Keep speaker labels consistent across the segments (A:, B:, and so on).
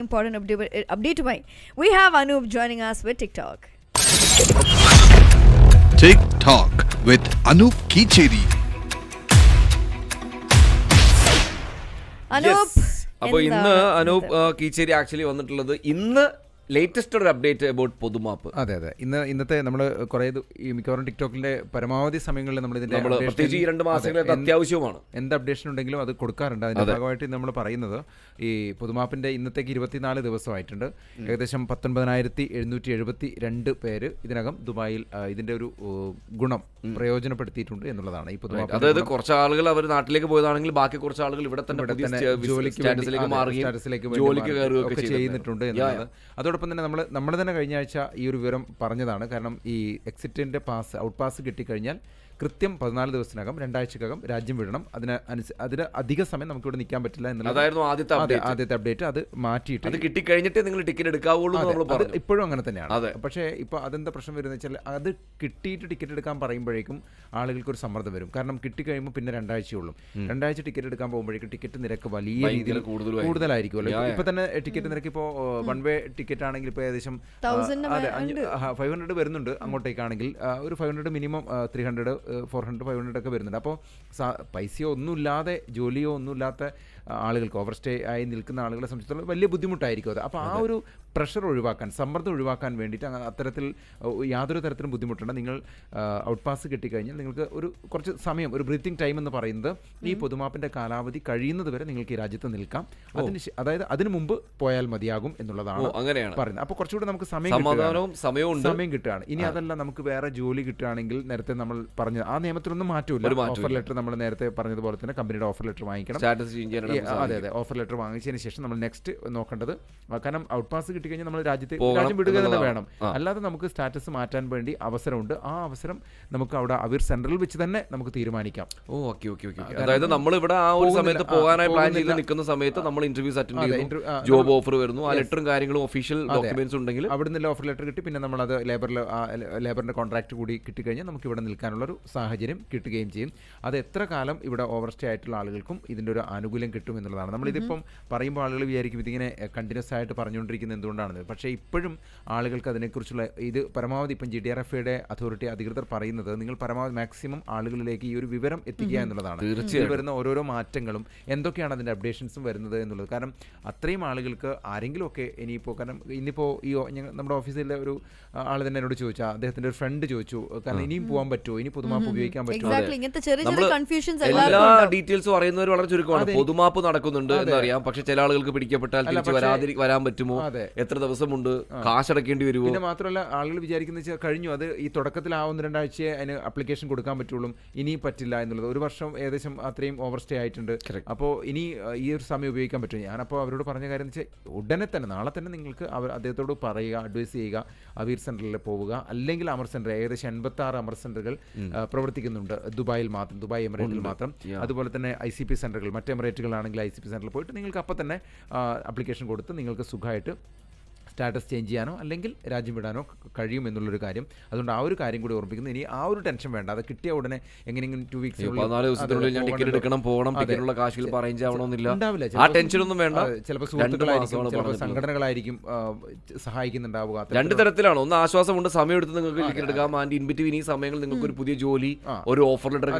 A: important update. We have Anup joining us with TikTok.
B: TikTok with Anup Kicheri.
A: Anup.
C: അപ്പോൾ ഇന്ന് Anoop Keecheri actually വന്നിട്ടുള്ളത് ഇന്ന് latest ഒരു update about പൊതുമാപ്പ്.
D: അതെ ഇന്നത്തെ നമ്മൾ കുറേ മിക്കവാറും ടിക്ടോക്കിന്റെ പരമാവധി സമയങ്ങളിൽ നമ്മൾ ഇതിന്റെ
C: പ്രത്യേകിച്ച് ഈ 2 മാസങ്ങളിൽ അത്യാവശ്യമാണ്.
D: എന്ത് അപ്ഡേഷൻ ഉണ്ടെങ്കിലും അത് കൊടുക്കാറുണ്ട്. അതിന്റെ ഭാഗമായിട്ട് നമ്മൾ പറയുന്നത് ഈ പൊതുമാപ്പിന്റെ ഇന്നത്തേക്ക് 24 ദിവസമായിട്ടുണ്ട്. ഏകദേശം 19,772 പേര് ഇതിനകം ദുബായിൽ ഇതിന്റെ ഒരു ഗുണം പ്രയോജനപ്പെടുത്തിയിട്ടുണ്ട് എന്നുള്ളതാണ് ഈ പൊതുമാപ്പ്.
C: അതായത് കുറച്ച് ആളുകൾ അവർ നാട്ടിലേക്ക് പോയതാണെങ്കിൽ ബാക്കി കുറച്ച് ആളുകൾ ഇവിടെ തന്നെ
D: ജോലിക്ക് ചെയ്യുന്നിട്ടുണ്ട് എന്നുള്ളത്. അതോടൊപ്പം തന്നെ നമ്മൾ തന്നെ കഴിഞ്ഞ ആഴ്ച ഈ ഒരു വിവരം പറഞ്ഞതാണ്. കാരണം ഈ എക്സിറ്റിന്റെ ഔട്ട് പാസ് കിട്ടിക്കഴിഞ്ഞാൽ കൃത്യം 14 ദിവസത്തിനകം 2 ആഴ്ചക്കകം രാജ്യം വിടണം. അതിന് അധിക സമയം നമുക്ക് ഇവിടെ നിൽക്കാൻ പറ്റില്ല
C: എന്നുള്ളതായിരുന്നു
D: ആദ്യത്തെ അപ്ഡേറ്റ്. അത് മാറ്റിയിട്ട്
C: അത് കിട്ടിക്കഴിഞ്ഞിട്ട് നിങ്ങൾ ടിക്കറ്റ് എടുക്കാവുള്ളൂ.
D: ഇപ്പോഴും അങ്ങനെ തന്നെയാണ്. പക്ഷേ ഇപ്പോൾ അതെന്താ പ്രശ്നം വരുന്നത് വെച്ചാൽ അത് കിട്ടിയിട്ട് ടിക്കറ്റ് എടുക്കാൻ പറയുമ്പോഴേക്കും ആളുകൾക്ക് ഒരു സമ്മർദ്ദം വരും. കാരണം കിട്ടിക്കഴിയുമ്പോൾ പിന്നെ 2 ആഴ്ചയുള്ളൂ. 2 ആഴ്ച ടിക്കറ്റ് എടുക്കാൻ പോകുമ്പോഴേക്കും ടിക്കറ്റ് നിരക്ക് വലിയ രീതിയിൽ കൂടുതലായിരിക്കുമല്ലോ. ഇപ്പൊ തന്നെ ടിക്കറ്റ് നിരക്ക് ഇപ്പോൾ വൺ വേ ടിക്കറ്റ് ആണെങ്കിൽ ഇപ്പോൾ ഏകദേശം 500 വരുന്നുണ്ട്. അങ്ങോട്ടേക്കാണെങ്കിൽ ഒരു 500 മിനിമം 300 400 500 ഒക്കെ വരുന്നുണ്ട്. അപ്പോൾ പൈസയോ ഒന്നുമില്ലാതെ ജോലിയോ ഒന്നുമില്ലാത്ത ആളുകൾക്ക് ഓവർ സ്റ്റേ ആയി നിൽക്കുന്ന ആളുകളെ സംബന്ധിച്ചിടത്തോളം വലിയ ബുദ്ധിമുട്ടായിരിക്കും അത്. അപ്പോൾ ആ ഒരു പ്രഷർ ഒഴിവാക്കാൻ, സമ്മർദ്ദം ഒഴിവാക്കാൻ വേണ്ടിയിട്ട് അത്തരത്തിൽ യാതൊരു തരത്തിലും ബുദ്ധിമുട്ടുണ്ട്. നിങ്ങൾ ഔട്ട് പാസ് കിട്ടിക്കഴിഞ്ഞാൽ നിങ്ങൾക്ക് കുറച്ച് സമയം, ഒരു ബ്രീത്തിങ് ടൈം എന്ന് പറയുന്നത് ഈ പൊതുമാപ്പിൻ്റെ കാലാവധി കഴിയുന്നത് വരെ നിങ്ങൾക്ക് ഈ രാജ്യത്ത് നിൽക്കാം. അതായത് അതിന് മുമ്പ് പോയാൽ മതിയാകും എന്നുള്ളതാണ് പറയുന്നത്. അപ്പോൾ കുറച്ചുകൂടി നമുക്ക് സമയം കിട്ടുകയാണ്. ഇനി അതല്ല, നമുക്ക് വേറെ ജോലി കിട്ടുകയാണെങ്കിൽ നേരത്തെ നമ്മൾ പറഞ്ഞത് ആ നിയമത്തിലൊന്നും മാറ്റമില്ല. ഓഫർ ലെറ്റർ നമ്മൾ നേരത്തെ പറഞ്ഞതുപോലെ തന്നെ കമ്പനിയുടെ ഓഫർ ലെറ്റർ വാങ്ങിക്കണം. അതെ ഓഫർ ലെറ്റർ വാങ്ങിച്ചതിന് ശേഷം നമ്മൾ നെക്സ്റ്റ് നോക്കേണ്ടത്, കാരണം ഔട്ട് പാസ് കിട്ടിക്കഴിഞ്ഞാൽ നമ്മൾ രാജ്യം വിടുക തന്നെ വേണം. അല്ലാതെ നമുക്ക് സ്റ്റാറ്റസ് മാറ്റാൻ വേണ്ടി അവസരമുണ്ട്. ആ അവസരം നമുക്ക് അവിടെ അവിർ സെന്ററിൽ വെച്ച് തന്നെ നമുക്ക് തീരുമാനിക്കാം.
C: അതായത് നമ്മൾ ഇവിടെ ആ ഒരു സമയത്ത് പോകാനായി പ്ലാൻ ചെയ്ത് നിൽക്കുന്ന സമയത്ത് നമ്മൾ ഇന്റർവ്യൂസ് അറ്റൻഡ് ചെയ്യുന്നു, ജോബ് ഓഫർ വരുന്നു, ആ ലെറ്ററും കാര്യങ്ങളും ഒഫീഷ്യൽ ഡോക്യുമെന്റ്സ് ഉണ്ടെങ്കിൽ
D: അവിടെ നിന്ന് ഓഫർ ലെറ്റർ കിട്ടി. പിന്നെ നമ്മളത് ലേബറിന്റെ കോൺട്രാക്ട് കൂടി കിട്ടിക്കഴിഞ്ഞാൽ നമുക്ക് ഇവിടെ നിൽക്കാനുള്ളൊരു സാഹചര്യം കിട്ടുകയും ചെയ്യും. അത് എത്ര കാലം ഇവിടെ ഓവർ സ്റ്റേ ആയിട്ടുള്ള ആളുകൾക്കും ഇതിൻ്റെ ഒരു ആനുകൂല്യം കിട്ടും എന്നുള്ളതാണ്. നമ്മളിതിപ്പം പറയുമ്പോൾ ആളുകൾ വിചാരിക്കും ഇതിങ്ങനെ കണ്ടിന്യൂസ് ആയിട്ട് പറഞ്ഞുകൊണ്ടിരിക്കുന്നത് എന്തുകൊണ്ടാണെന്ന്. പക്ഷേ ഇപ്പോഴും ആളുകൾക്ക് അതിനെക്കുറിച്ചുള്ള ഇത് പരമാവധി ഇപ്പം GDRFയുടെ അതോറിറ്റി അധികൃതർ പറയുന്നത് നിങ്ങൾ പരമാവധി മാക്സിമം ആളുകളിലേക്ക് ഈ ഒരു വിവരം എത്തിക്കുക എന്നുള്ളതാണ്. തീർച്ചയായും വരുന്ന ഓരോരോ മാറ്റങ്ങളും എന്തൊക്കെയാണ് അതിൻ്റെ അപ്ഡേഷൻസും വരുന്നത് എന്നുള്ളത്. കാരണം അത്രയും ആളുകൾക്ക് ആരെങ്കിലുമൊക്കെ ഇനിയിപ്പോൾ, കാരണം ഇന്നിപ്പോൾ ഈ നമ്മുടെ ഓഫീസിലെ ഒരു ആൾ തന്നെ എന്നോട് ചോദിച്ചാൽ, അദ്ദേഹത്തിൻ്റെ ഒരു ഫ്രണ്ട് ചോദിച്ചു, കാരണം ഇനിയും പോകാൻ പറ്റുമോ, ഇനി പൊതുമാപ്പ് ഉപയോഗിക്കാൻ പറ്റുമോ.
C: എല്ലാ ഡീറ്റെയിൽസും അറിയുന്നവർ വളരെ ചുരുക്കമാണ്. പൊതുമാപ്പ് നടക്കുന്നുണ്ട് എന്നറിയാം, പക്ഷെ ചില ആളുകൾക്ക് പിടിക്കപ്പെട്ടാൽ തിരിച്ച് വരാൻ പറ്റുമോ, എത്ര ദിവസമുണ്ട്, കാശടക്കേണ്ടി വരുമോ.
D: പിന്നെ മാത്രമല്ല ആളുകൾ വിചാരിക്കുന്നത് വെച്ചാൽ കഴിഞ്ഞു, അത് ഈ തുടക്കത്തിൽ ആ 1-2 ആഴ്ചയെ അതിന് അപ്ലിക്കേഷൻ കൊടുക്കാൻ പറ്റുള്ളൂ, ഇനിയും പറ്റില്ല എന്നുള്ളത്. 1 വർഷം ഏകദേശം അത്രയും ഓവർ സ്റ്റേ ആയിട്ടുണ്ട്. അപ്പോൾ ഇനി ഈ ഒരു സമയം ഉപയോഗിക്കാൻ പറ്റും. ഞാനപ്പോൾ അവരോട് പറഞ്ഞ കാര്യം എന്ന് വെച്ചാൽ ഉടനെ തന്നെ, നാളെ തന്നെ നിങ്ങൾക്ക് അദ്ദേഹത്തോട് പറയുക, അഡ്വൈസ് ചെയ്യുക, അവീർ സെന്ററിൽ പോവുക, അല്ലെങ്കിൽ അമർ സെന്റർ. ഏകദേശം 86 അമർ സെന്ററുകൾ പ്രവർത്തിക്കുന്നുണ്ട് ദുബായിൽ മാത്രം, ദുബായ് എമിറേറ്റിൽ മാത്രം. അതുപോലെ തന്നെ ICP സെന്ററുകൾ, മറ്റ് എമിറേറ്റുകളാണെങ്കിൽ ICP സെന്ററിൽ പോയിട്ട് നിങ്ങൾക്ക് അപ്പം തന്നെ അപ്ലിക്കേഷൻ കൊടുത്ത് നിങ്ങൾക്ക് സുഖമായിട്ട് സ്റ്റാറ്റസ് ചേഞ്ച് ചെയ്യാനോ അല്ലെങ്കിൽ രാജ്യം വിടാനോ കഴിയും എന്നുള്ളൊരു കാര്യം. അതുകൊണ്ട് ആ ഒരു കാര്യം കൂടി ഓർമ്മിക്കുന്നു. ഇനി ആ ഒരു ടെൻഷൻ വേണ്ട. അത് കിട്ടിയ ഉടനെ എങ്ങനെയെങ്കിലും 2 വീക്സ്
C: 14 ദിവസത്തിനുള്ളിൽ ഞാൻ ടിക്കറ്റ് എടുക്കണം, പോകണം, ടിക്കറ്റുള്ള കാശിൽ അറേഞ്ച് ആവണമെന്നില്ല, ആ ടെൻഷനൊന്നും വേണ്ട.
D: ചിലപ്പോൾ സുഹൃത്തുക്കളായിരിക്കും, ചിലപ്പോൾ സംഘടനകളായിരിക്കും സഹായിക്കുന്നുണ്ടാവുക.
C: 2 തരത്തിലാണ്. ഒന്ന് ആശ്വാസമുണ്ട്, സമയം എടുത്ത് നിങ്ങൾക്ക് ടിക്കറ്റ് എടുക്കാം. ആൻഡ് ഇൻ ബിറ്റ്വീൻ ഈ സമയങ്ങളിൽ നിങ്ങൾക്ക് ഒരു പുതിയ ജോലി, ഒരു ഓഫർ ലെറ്റർ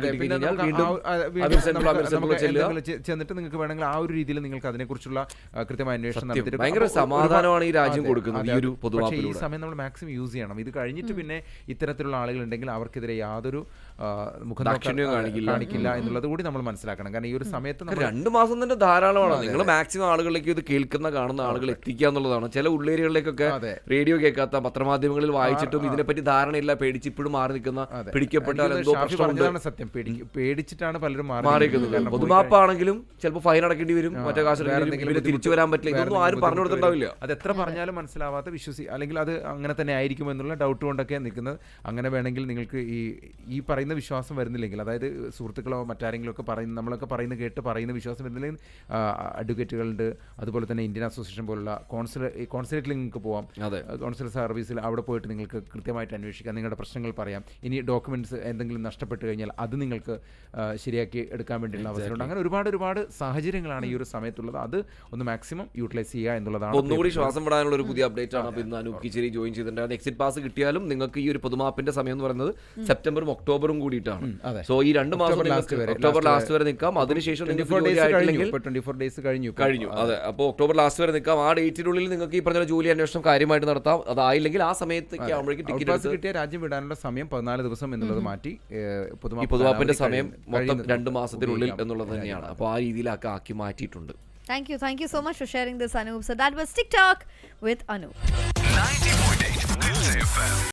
D: ചെന്നിട്ട് നിങ്ങൾക്ക് വേണമെങ്കിൽ ആ ഒരു രീതിയിൽ നിങ്ങൾക്ക് അതിനെക്കുറിച്ചുള്ള കൃത്യമായ അന്വേഷണം നടത്തിയിട്ട്
C: ഭയങ്കര സമാധാനമാണ് ഈ രാജ്യം കൊടുക്കുന്നത്.
D: പക്ഷേ ഈ സമയം നമ്മൾ മാക്സിമം യൂസ് ചെയ്യണം. ഇത് കഴിഞ്ഞിട്ട് പിന്നെ ഇത്തരത്തിലുള്ള ആളുകളുണ്ടെങ്കിൽ അവർക്കെതിരെ യാതൊരു കാണിക്കില്ല എന്നുള്ളത് കൂടി നമ്മൾ മനസ്സിലാക്കണം. കാരണം ഈ ഒരു സമയത്ത്
C: 2 മാസം തന്നെ ധാരാളമാണ്. നിങ്ങൾ മാക്സിമം ആളുകളിലേക്ക് ഇത് കാണുന്ന ആളുകൾ എത്തിക്കുക എന്നുള്ളതാണ്. ചില ഉള്ളേരിയകളിലേക്കൊക്കെ റേഡിയോ കേൾക്കാത്ത, പത്രമാധ്യമങ്ങളിൽ വായിച്ചിട്ടും ഇതിനെപ്പറ്റി ധാരണയില്ല, പേടിച്ച് ഇപ്പോഴും മാറി നിൽക്കുന്ന, പിടിക്കപ്പെട്ടാൽ എന്തോ പ്രശ്നമാണ്.
D: സത്യം, പേടിച്ചിട്ടാണ് പലരും
C: മാറിയിരിക്കുന്നത്. പൊതുമാപ്പാണെങ്കിലും ചിലപ്പോൾ ഫൈൻ അടക്കേണ്ടി വരും, മറ്റേ കാശ് തിരിച്ചു വരാൻ പറ്റില്ല, ഇതൊന്നും ആരും പറഞ്ഞു കൊടുത്തിട്ടുണ്ടാവില്ല.
D: അത് എത്ര പറഞ്ഞാലും മനസ്സിലാവാത്ത അല്ലെങ്കിൽ അത് അങ്ങനെ തന്നെ ആയിരിക്കും എന്നുള്ള ഡൗട്ട് കൊണ്ടൊക്കെ നിൽക്കുന്നത്. അങ്ങനെ വേണമെങ്കിൽ നിങ്ങൾക്ക് ഈ പറയുന്ന വിശ്വാസം വരുന്നില്ലെങ്കിൽ, അതായത് സുഹൃത്തുക്കളോ മറ്റാരെങ്കിലും ഒക്കെ നമ്മളൊക്കെ പറയുന്ന വിശ്വാസം വരുന്നില്ലെങ്കിൽ അഡ്വക്കേറ്റുകളുണ്ട്, അതുപോലെ തന്നെ ഇന്ത്യൻ അസോസിയേഷൻ പോലുള്ള കോൺസുലേറ്റിൽ നിങ്ങൾക്ക് പോകാം. കോൺസുലേറ്റ് സർവീസിൽ അവിടെ പോയിട്ട് നിങ്ങൾക്ക് കൃത്യമായിട്ട് അന്വേഷിക്കാം, നിങ്ങളുടെ പ്രശ്നങ്ങൾ പറയാം. ഇനി ഡോക്യുമെന്റ്സ് എന്തെങ്കിലും നഷ്ടപ്പെട്ട് കഴിഞ്ഞാൽ അത് നിങ്ങൾക്ക് ശരിയാക്കി എടുക്കാൻ വേണ്ടിയുള്ള അവസരമുണ്ട്. അങ്ങനെ ഒരുപാട് സാഹചര്യങ്ങളാണ് ഈ ഒരു സമയത്തുള്ളത്. അത് ഒന്ന് മാക്സിമം യൂട്ടിലൈസ് ചെയ്യുക എന്നുള്ളതാണ്.
C: ഒന്നുകൂടി ശ്വാസം വിടാനുള്ള ഒരു പുതിയ അപ്ഡേറ്റ് ആണ്. അപ്പോൾ ഇന്ന് അനൂപ് കീച്ചേരി ജോയിൻ ചെയ്തിട്ടുണ്ട്. എക്സിറ്റ് പാസ് കിട്ടിയാലും നിങ്ങൾക്ക് ഈ ഒരു പൊതുമാപ്പിന്റെ സമയം എന്ന് പറയുന്നത് സെപ്റ്റംബറും ഒക്ടോബറും കൂടിയിട്ടാണ്. സോ ഈ 2 മാസം ഒക്ടോബർ ലാസ്റ്റ് വരെ നിൽക്കാം. അതിനുശേഷം
D: 24 ഡേയ്സ് കഴിഞ്ഞു.
C: അതെ, അപ്പോൾ ഒക്ടോബർ ലാസ്റ്റ് വരെ നിൽക്കാം. ആ ഡേറ്റിനുള്ളിൽ നിങ്ങൾക്ക് ഈ പറഞ്ഞ ജോലി അന്വേഷണം കാര്യമായിട്ട് നടത്താം. അതായില്ലെങ്കിൽ ആ സമയത്തേക്ക് ആവുമ്പോഴേക്കും ടിക്കറ്റ്
D: കിട്ടിയ രാജ്യം വിടാനുള്ള സമയം 14 ദിവസം എന്നുള്ളത് മാറ്റി
C: പൊതുമാപ്പിന്റെ സമയം മൊത്തം 2 മാസത്തിനുള്ളിൽ എന്നുള്ളത് തന്നെയാണ്. അപ്പോൾ ആ രീതിയിലൊക്കെ ആക്കി മാറ്റിയിട്ടുണ്ട്.
A: Thank you so much for sharing this, Anup. So that was TikTok with Anup.
B: 90.8